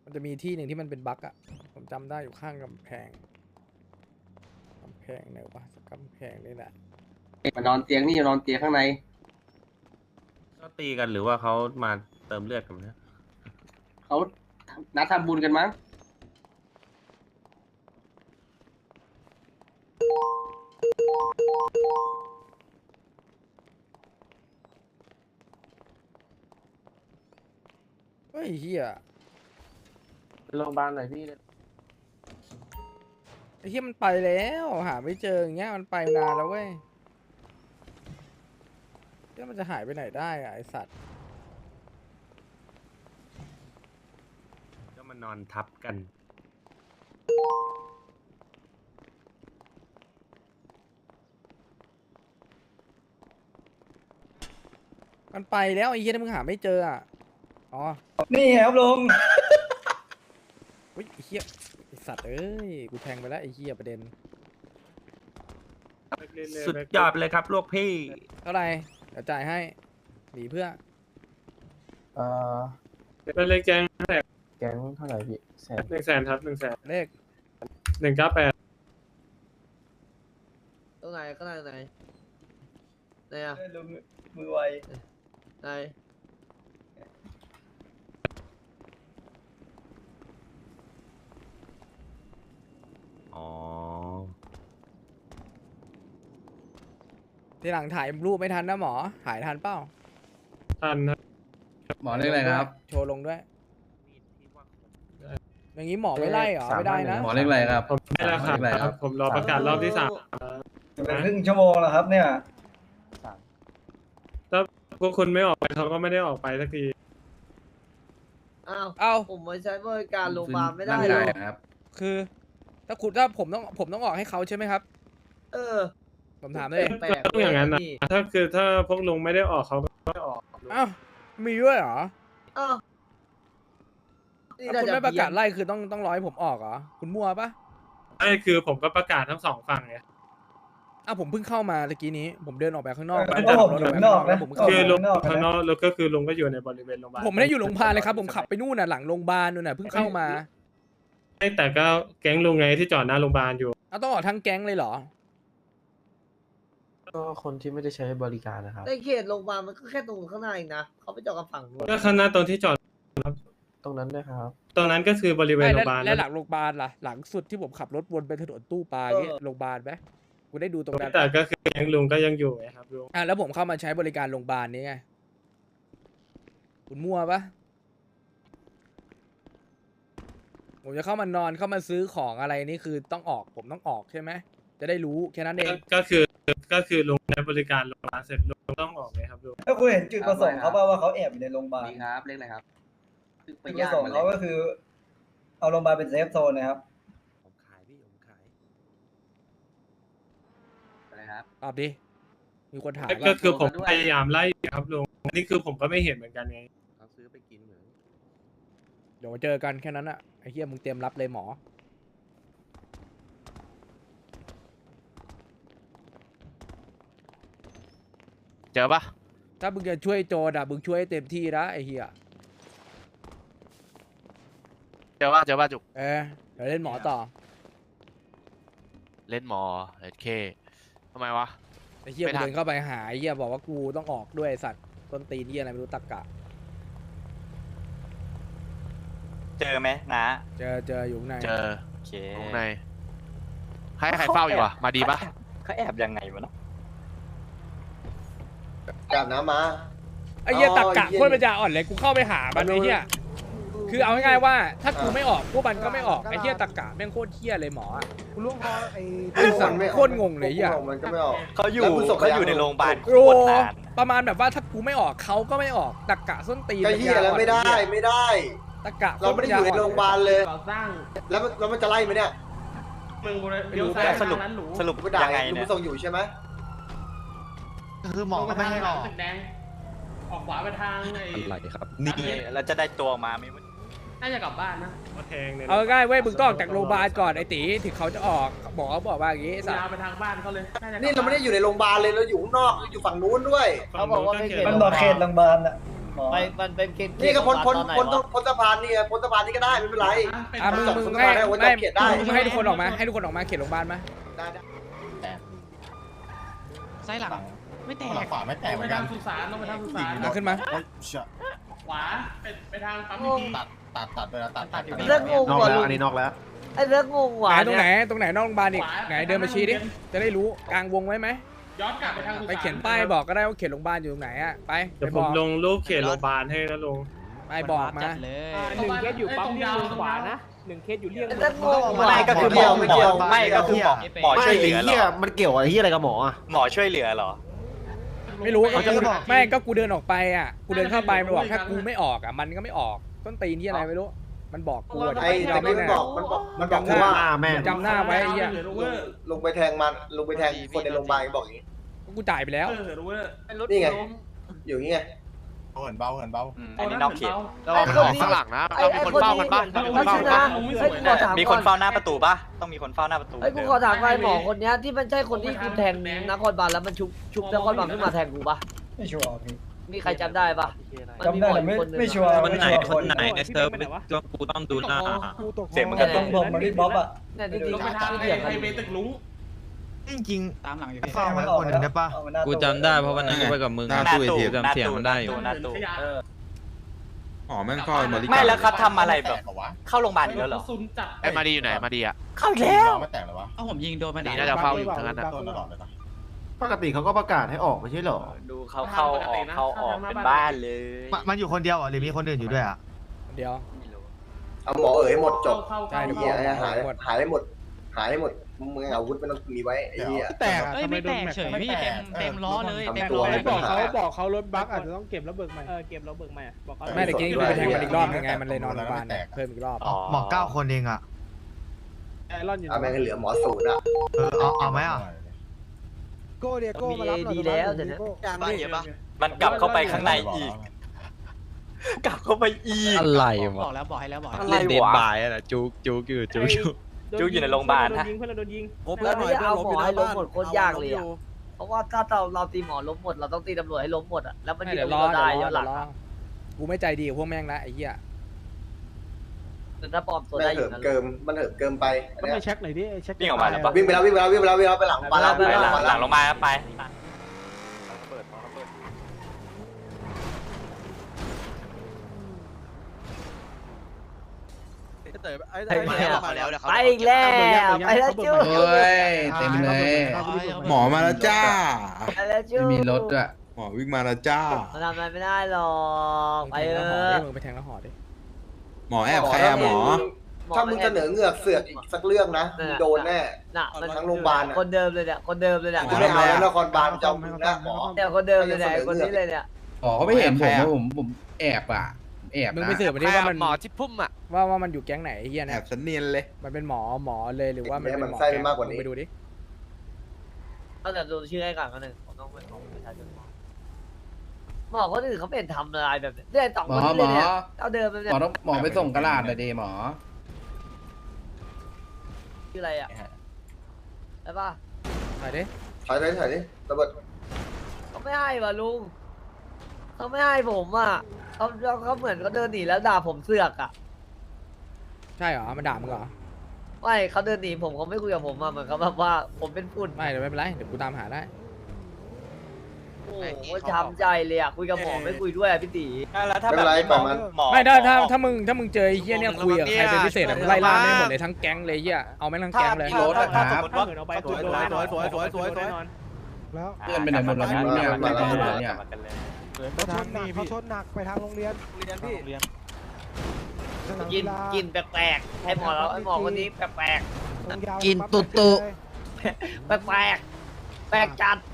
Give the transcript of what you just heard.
มันจะมีที่หนึ่งที่มันเป็นบั๊กอะผมจำได้อยู่ข้างกำแพงไหนวะกำแพงนี่แหละมานอนเตียงนี่จะนอนเตียงข้างในก็ตีกันหรือว่าเขามาเติมเลือดกันเนี่ยเขานัดทำบุญกันมั้งเฮ้ยเฮียโรงพยาบาลหน่อยพี่ไอ้เฮียมันไปแล้วหาไม่เจออย่างเงี้ยมันไปนานแล้วเว้ยแล้วมันจะหายไปไหนได้อะไอสัตว์ก็มานอนทับกันมันไปแล้วไอ้เฮียถ้ามึงหาไม่เจออ่ะอ๋อนี่ครับลุงเฮ้ยไอ้เฮียไอสัตว์เอ้ยกูแทงไปแล้วไอ้เฮียประเด็นสุดยอดเลยครับลูกพี่เท่าไหร่เดี๋ยวจ่ายให้หนีเพื่อเป็นเลขแจ้งแก๊งเท่าไหร่พี่แสน 100,000ครับ100,000 เลข 198 ตรงไหนก็ได้ไหนไหนอ่ะลุงมือไวไหนอ๋อทีหลังถ่ายรูปไม่ทันนะหมอถ่ายทันเปล่าทันครับหมอเรียกอะไรครับโชว์ลงด้วยอย่างนี้หมอไม่ไล่เหรอไม่ได้นะหมอเรียกอะไรครับผมได้แล้วครับ ผมรอประกาศรอบที่3 จะเป็นครึ่งชั่วโมงแล้วครับเนี่ยพวกคุณไม่ออกไปเขาก็ไม่ได้ออกไปสักทีอ้าวเอ้าผมมาใช้บริการโรงพยาบาลไม่ได้ร่างหรกาอยนะครับคือถ้าผมต้องออกให้เขาใช่ไหมครับเออผมถามเลยแปลกต้องอย่างนั้นนะพี่ถ้าพวกลุงไม่ได้ออกเขาก็ไม่ออกเอ้ามีด้วยเหรออ้าวนี่ถ้าน่าคุณจะไม่ประกาศเพี้ยนไล่คือต้องรอให้ผมออกเหรอคุณมั่วปะไม่คือผมก็ประกาศทั้ง2ฝั่งไงอ้าวผมเพิ่งเข้ามาตะกี้นี้ ผมเดินออกไปข้างนอกเออแล้วผมอยู่ข้างนอกนะผมเพิ่งเข้าคือมาลุงข้างนอกแล้วก็คือลุงก็อยู่ในบริเวณโรงพยาบาลผมไม่ได้อยู่โรงพยาบาลเลยครับผมขับไปนู่นน่ะหลังโรงพยาบาลนู่นน่ะเพิ่งเข้ามาแต่ก็แก๊งลุงไงที่จอดหน้าโรงพยาบาลอยู่เอาต้องออกทั้งแก๊งเลยเหรอก็คนที่ไม่ได้ใช้บริการนะครับในเขตโรงพยาบาลมันก็แค่ตรงข้างหน้าเองนะเขาไปจอดกับฝั่งนู้นก็ข้างหน้าตรงที่จอดตรงนั้นด้วยครับตรงนั้นก็คือบริเวณโรงพยาบาลและหลังโรงพยาบาลล่ะหลังสุดที่ผมขับรถวนไปถนนตู้ปลาอย่างเงี้ยโรงพยาบาลไหมกูได้ดูตรงนั้นแต่ก็คือแก๊งลุงก็ยังอยู่ไงครับลุงแล้วผมเข้ามาใช้บริการโรงพยาบาลนี้ไงคุณมั่วปะผมจะเข้ามานอนเข้ามาซื้อของอะไรนี่คือต้องออกผมต้องออกใช่ไหมจะได้รู้แค่นั้นเองก็คือลุงใช้บริการโรงพยาบาลเสร็จลุงต้องออกไงครับลุงถ้าคุณเห็นจุดประสงค์เขาว่าเขาแอบอยู่ในโรงพยาบาลนี่ครับ เรียกอะไรครับไปจุดประย่างสงค์มาเลเขายก็คือ เอาโรงพยาบาลเป็นเซฟโซนนะครับผมขายพี่ผมขายอะไรครับตอบดิมีคนถามก็ว่าคือผมพยายามไล่ครับลุงอันนี้คือผมก็ไม่เห็นเหมือนกันไงเขาซื้อไปกินเหมือนเดี๋ยวเจอกันแค่นั้นอะไอ้เหี้ยมึงเตรียมรับเลยหมอเจอปะถ้ามึงจะช่วยโจรอะมึงช่วยให้เต็มที่นะไอ้เหี้ยเจอปะจุกเดี๋ยวเล่นหมอต่อเล่นหมอเลดเคทำไมวะไอ้เหี้ยไม่กูทันเดินเข้าไปหาไอ้เหี้ยบอกว่ากูต้องออกด้วยไอ้สัตว์ต้นตีนเหี้ยอะไรไม่รู้ตักกะเจอไหมนะเจออยู่ข้างในเจอโอเคตรงในให้ใครเฝ้าอยู่อะมาดีปะเขาแอบยังไงวะเนาะอาบน้ำมาไอ้เหี้ยอ๋อตักกะเหี้ยโคตรปัญญาอ่อนเลยกูเข้าไปหามันไอ้เหี้ยคือเอาง่ายๆว่าถ้ากูไม่ออกพวกมันก็ไม่ออกไอ้เหี้ยตักกะแม่งโคตรเหี้ยเลยหมออะคุณลุงพอไอ้ไอ้สัตว์โคตรงงเลยไอ้เหี้ยมันก็ไม่ออกเขาอยู่แล้วคุณส่งเขาอยู่ไปยังในโรงพยาบาลโคโอ้ตรนานประมาณแบบว่าถ้ากูไม่ออกเขาก็ไม่ออกตักกะส้นตีนไอ้เหี้ยแล้วไม่ได้ไม่ได้ตักกะเราไม่ได้อยู่ในโรงพยาบาลเลยก่อสร้างแล้วมันจะไล่ไหมเนี่ยมึงไม่รู้แล้วสรุปกูด่ายังไงลุเนี่งยส่งอยู่ใช่ไหมคือหมอก็ไม่ให้ออกแดงออกขวาไปทางไอ้อะไรครับนี่เราจะได้ตัวออกมาไหมวะน่าจะกลับบ้านนะมาแทงเนี่ยเอาง่ายๆเว้ยมึงต้องออกจากโรงพยาบาลก่อนไอ้ตีถึงเขาจะออกหมอบอกว่าอย่างงี้ไอ้สัตว์ยาวไปทางบ้านเขาเลยนี่เราไม่ได้อยู่ในโรงพยาบาลเลยเราอยู่ข้างนอกอยู่ฝั่งนู้นด้วยเขาบอกว่าไม่เขตมันบอกเขตโรงพยาบาลอะไปมันเป็นเขตนี่ก็พ้นตอนไหนวะพ้นสะพานนี่ไงพ้นสะพานนี่ก็ได้ไม่เป็นไรมึงจับมึงสะให้พานได้โอ้ยไม่จับเขตได้มึงให้ทุกคนออกมาให้ทุกคนออกมาเขตโรงพยาบาลมาได้ได้ไส้หลังไม่แตกขวาไม่แตกเหมือนกันสุสานต้องไปทางสุสานเอาขึ้นมาขวาไปทางปั๊มพีตัดไปแล้วตัดเรื่องงงนอกว่ะแล้วลุงอันนี้นอกแล้วไอ้เรื่องงงไหว่ะนตรงไหนเนี่ยตรงไหนนอกโรงพยาบาลอีกไหนเดินมาชี้ดิจะได้รู้กลางวงไว้ไหมย้อนกลับไปทางสุสานไปเขียนป้ายบอกก็ได้ว่าเขตโรงพยาบาลอยู่ตรงไหนอะไปเดี๋ยวไปผบมอกลงรูปเขตโรงพยาบาลให้แล้วลงไปบอกมา 1 เคสอยู่ปั๊มที่มือขวานะ 1 เคสอยู่เลี่ยงไอ้เรื่องงงว่ะไม่ก็คือหมอไม่ก็คือหมอช่วยเหลือเหรอมันเกี่ยวอะไรที่อะไรกับหมออ่ะหมอช่วยเหลือเหรอไม่รู้เขาจะไม่ก็กูเดินออกไปอ่ะกูเดินเข้าไปมันบอกถ้ากูไม่ออกอ่ะมันก็ไม่ออกต้นตีนที่อะไรไม่รู้มันบอกกูอะไอ้จำตะกี้ไม่มันได้บอกมันบอกว่าแม่จำหน้าไว้ไอ้เหี้ยลงไปแทงมันลงไปแทงคนในโรงพยาบาลบอกอย่างนี้กูจ่ายไปแล้วนี่ไงอยู่นี่ไงเหินเบาอันนี้นอกเขตระวังของข้างหลังนะเรามีคนเฝ้ากันปะเรามีคนเฝ้ากันปะเฮ้ยกูขอถามมีคก่อนนเฝ้าหน้าประตูปะต้องมีคนเฝ้าหน้าประตูเฮ้ยกูขอถามไอ้หมอคนเนี้ยที่มันใช่คนที่คุณแทงนครบาลแล้วมันชุบนครบาลขึ้นมาแทงกูปะไม่ชัวร์พี่มีใครจำได้ปะมันมีจำหมได้อแต่อีกคนนึงไม่อะชัวร์คนไหนไม่ชัวร์คนไหนในเซิร์ฟก็กูต้องดูหน้าเสียงมันแต่กระตตุรงกผมมันรีบบ๊อบอ่ะเนี่ยที่ลงไปทางเถียงไฮกันเวย์ตึกลุงจริงตามหลังอยู่เฝ้าไว้คนหนึ่งได้ปะกูจำได้เพราะวันนั้นกูไปกับมึงหน้าตู้หน้าตู้หน้าตู้หน้าตู้อ๋อแม่งเข้าบริการไม่แล้วเขาทำอะไรแบบเข้าโรงพยาบาลอีกแล้วเหรอซุนจับไอ้มาดีอยู่ไหนมาดีอ่ะเข้าอีกแล้วไม่แตกหรอวะเอ้าผมยิงโดนมาดีน่าจะเฝ้าอยู่ทั้งนั้นนะต้นตลอดเลยปะปกติเขาก็ประกาศให้ออกไม่ใช่เหรอดูเข้าออกเป็นบ้านเลยมันอยู่คนเดียวหรือมีคนอื่นอยู่ด้วยอ่ะเดี๋ยวไม่รู้เอาหมอเอ๋ยหมดจบใช่เดี๋ยวเหี้ยบอกหายหายหมดหายหมดมึงอาวุธไม่ต้องมีไว้ไอ้เหี้ยแตกเอ้ยไม่แตกเฉยพี่เต็มล้อเลยเต็มตัวล้อเลยบอกเขาบอกเขารถบั๊กอาจจะต้องเก็บแล้วเบิกใหม่เก็บแล้วเบิกใหม่บอกเขาไม่แต่กี้กูไปแทงมันอีกรอบนึงไงมันเลยนอนโรงพยาบาลเพิ่มอีกรอบหมอ9 คนเองอ่ะไอรอนอยู่เอาแม่งให้เหลือหมอศูนย์อ่ะเอาไหมอ่ะโก้เดียโก้มีมารับดีแล้วเดี๋ยวนี้มันกลับเข้าไปข้างในอีก กลับเข้าไปอีกอะไรบอกแล้วบอกให้แล้วบอกอะไรวะจุกอยู่จุกจุกอยู่ในโรงพยาบาลฮะเพื่อนเราโดนยิงแล้วนี่เอาหมอให้ล้มหมดโคตรยากเลยอะเพราะว่าถ้าเราตีหมอล้มหมดเราต้องตีตำรวจให้ล้มหมดอะแล้วมันเดี๋ยวรอได้ย้อนหลังกูไม่ใจดีกับพวกแม่งละไอ้เหี้ยแต่ถ้าปลอมตัวแม่ได้งอเหิยู่มนะเกิมมันเหิมเกิมไปต้องไปเช็คหน่อยดิเช็ควิ่งออกมาแล้วปะวิ่งไปแล้วไปหลังมาแล้วไปหลังลงมาไปไปอีกแล้วไปแล้วจู้เต็มเลย หมอมาแล้วจ้าไปแล้วจู้หมอวิ่งมาแล้วจ้ามันทำอะไรไม่ได้หรอกไปแทงเอแล้วห่ออดิมึงไปแทงแล้วห่อดิหมอแอบใครอะหมอถ้ามึงเสนอเงือกเสือกอีกสักเรื่องนะมึงโดนแน่น่ะมันทั้งโรงพยาบาลอะคนเดิมเลยเนี่ยคนเดิมเลยเนี่ยกูไม่เอาแล้วนครบาลจะเอามึงนะหมอเนี่ยคนเดิมเลยเนี่ยคนนี้เลยเนี่ยหมอเขาไม่เห็นผมผมแอบอ่ะแอบมึงไปสืบมาดิว่ามันหมอที่พุ่มอ่ะว่ามันอยู่แก๊งไหนไอ้เหี้ยแอเนี่ยบสเนียนเลยมันเป็นหมอเลยหรือว่ามันเป็นหมอไส้มากกว่านี้ไปดูดิต้องแต่ดูชื่อให้ก่อนคนหนึ่งผมต้องไปขอประชาชนหมอคนอื่นเขาเป็นทำอะไรแบบนี้เนี่ยสองคนนี้เลยเนี่ยเอาเดิมเลยเนี่ยหมอไปส่งกระดาษหน่อยดิหมอชื่ออะไรอ่ะใช่ป่ะถ่ายดิถ่ายดิระเบิดเขาไม่ให้ว่ะลุงเขาไม่ให้ผมอ่ะเขาเหมือนเขาเดินหนีแล้วด่าผมเสือกอ่ะใช่เหรอมันด่ามึงเหรอไม่เขาเดินหนีผมเขาไม่คุยกับผมอ่ะเหมือนเขาแบบว่าผมเป็นฝุ่นไม่เดี๋ยวไม่เป็นไรเดี๋ยวกูตามหาได้โอ้โหช้ำใจเลยอ่ะคุยกับหมอไม่คุยด้วยอ่ะพี่ตีแล้วถ้าไม่แบเป็นบไรนี้ปล่อยมันหมอไม่ถ้ามึงเจอไอ้เหี้ยเนี่ยคุยกับใครเป็นพิเศษอะมึงไล่ล่าไม่หมดเลยทั้งแก๊งเลยไอ้เหี้ยเอาแม่งทั้งถ้าแก๊งเลยถ้าสมมติว่าเอาไปตัวโดนแน่นอนแน่นอนแล้วเพื่อนไปไหนหมดแล้วไม่รู้เนี่ยมาแล้วไม่รู้เนี่ยเขาชนหนักเขาชนหนักไปทางโรงเรียนสนามกินฬากินแปลกๆให้หมอแล้วให้หมอคนนี้แปลกตรงยาวกินตุ๊ปั๊บๆแปลกๆแปลกจัด